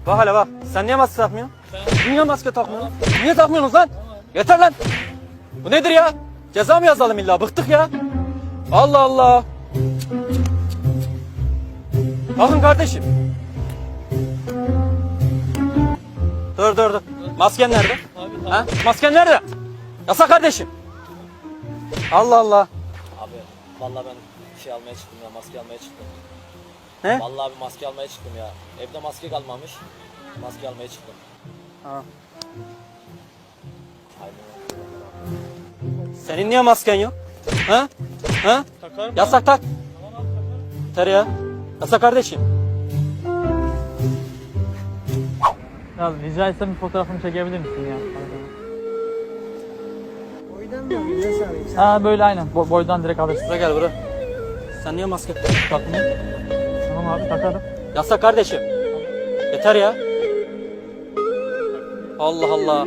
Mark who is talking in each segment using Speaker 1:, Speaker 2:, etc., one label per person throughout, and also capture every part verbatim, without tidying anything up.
Speaker 1: Bak hele bak. Sen niye maske takmıyorsun? Niye maske takmıyorsun? Niye takmıyorsunuz lan? Yeter lan. Bu nedir ya? Ceza mı yazalım illa? Bıktık ya. Allah Allah. Bakın kardeşim. Dur dur dur. Masken nerede?
Speaker 2: Abi,
Speaker 1: Ha? Masken nerede? Yasak kardeşim. Allah Allah.
Speaker 2: Abi vallahi ben şey almaya çıktım ya, maske almaya çıktım.
Speaker 1: Ne?
Speaker 2: Vallahi abi maske almaya çıktım ya. Evde maske kalmamış. Maske almaya çıktım.
Speaker 1: Ha.
Speaker 2: Aynen.
Speaker 1: Senin niye masken yok? Ha? Ha?
Speaker 2: Takarım.
Speaker 1: Yasak tak.
Speaker 2: Tamam abi takarım.
Speaker 1: Yeter ya. Yasak kardeşim.
Speaker 3: Ya rica etsem bir fotoğrafını çekebilir misin ya?
Speaker 4: Boydan mı alıyorsun abi?
Speaker 3: Ha böyle aynen. Bo- boydan direkt alırsın.
Speaker 1: Buraya gel buraya. Sen niye maske
Speaker 3: Takmayayım. Tamam abi takarım.
Speaker 1: Yasak kardeşim. Yeter ya. Allah Allah.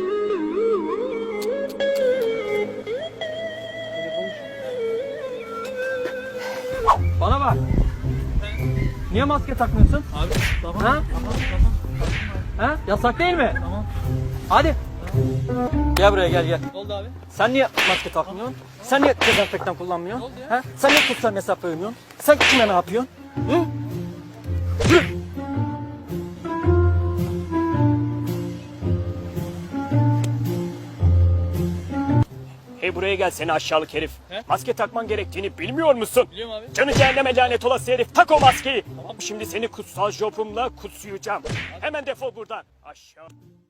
Speaker 1: Bana bak. Niye maske takmıyorsun?
Speaker 3: Abi tamam.
Speaker 1: Ha?
Speaker 3: Tamam tamam.
Speaker 1: Ha? Yasak değil mi?
Speaker 3: Tamam.
Speaker 1: Hadi. Gel buraya gel gel.
Speaker 3: Ne oldu abi?
Speaker 1: Sen niye maske takmıyorsun? Sen niye dezenfektan kullanmıyorsun?
Speaker 3: Ne oldu ya?
Speaker 1: Ha? Sen niye sosyal mesafe uymuyorsun? Sen kime ne yapıyorsun? Hı? Yürü.
Speaker 5: Hey buraya gel seni aşağılık herif.
Speaker 3: He?
Speaker 5: Maske takman gerektiğini bilmiyor musun?
Speaker 3: Biliyorum abi.
Speaker 5: Canı cehenneme lanet olası herif, tak o maskeyi. Tamam. Şimdi seni kutsal jopumla kutsayacağım. Hemen defol buradan. Aşağı.